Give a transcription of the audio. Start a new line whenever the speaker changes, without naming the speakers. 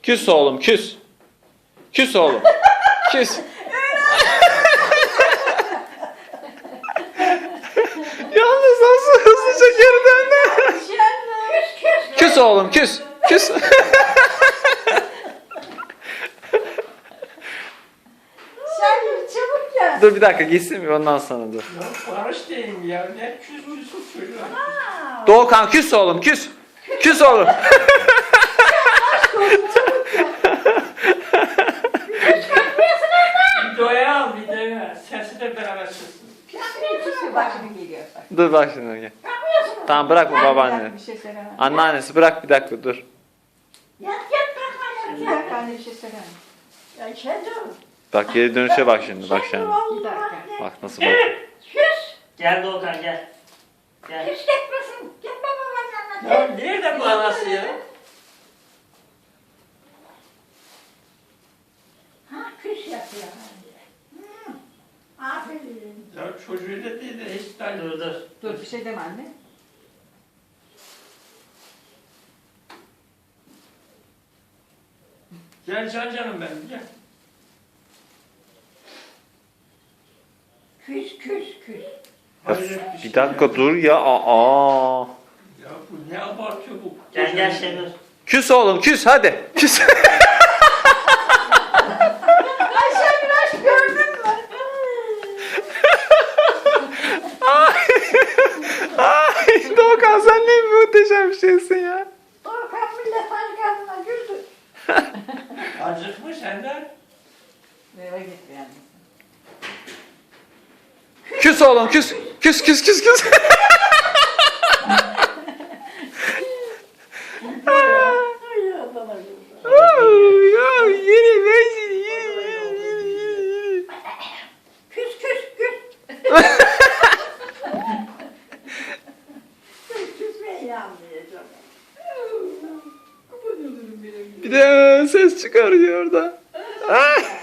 Küs oğlum küs. Küs oğlum. Küs. Yalnız nasıl hızlıca geri döndü. Küs oğlum küs. Küs.
Şahin çabuk gel.
Dur bir dakika gitsin mi ondan sonra dur.
Ya barış diyeyim ya. Ne küs çocuğa.
Doğukan küs oğlum küs. Küs oğlum.
Videoya al videoya. Sesi de beraber çıksın.
Bak şimdi geliyor. Bak.
Dur bak şimdi gel. Tamam bırak bu babaanne.
Bir şey söylemem.
Anneannesi bırak bir dakika dur.
Yat kalkma. Bir dakika anne bir şey söylemem. Ya kendi ol.
Bak geri dönüşe bak şimdi bak şimdi.
Bir dakika.
Bak nasıl bak.
Küs.
Gel Doğukan gel. Gel.
Küs gitmesin. Gitme babanın yanına.
Ya nerede bu anası ya?
Ha küs yapıyor. Aferin.
Ya çocuğu da değil de hiç daha dur.
Dur bir şey deme anne.
Gel canım benim gel.
Küs küs küs.
Ya,
Hayret
bir dakika dur ya. Aa.
Ya bu ne abartıyor bu?
Gel Şenur.
Küs oğlum küs hadi. Küs.
Ayşe biraz gördün mü?
Ay Doğukan sen ne muhteşem bir şeysin ya.
Doğukan millet arkasına güldü.
Acıkmış Ender.
Eve gitti yani.
Küs oğlum küs. Küs küs küs küs.
Ay Allah'ım.
Ya yeni ver seni yeni.
Küs küs küs. Küsmeyi yanmayacağım.
Bir de ses çıkarıyor orada. Ah!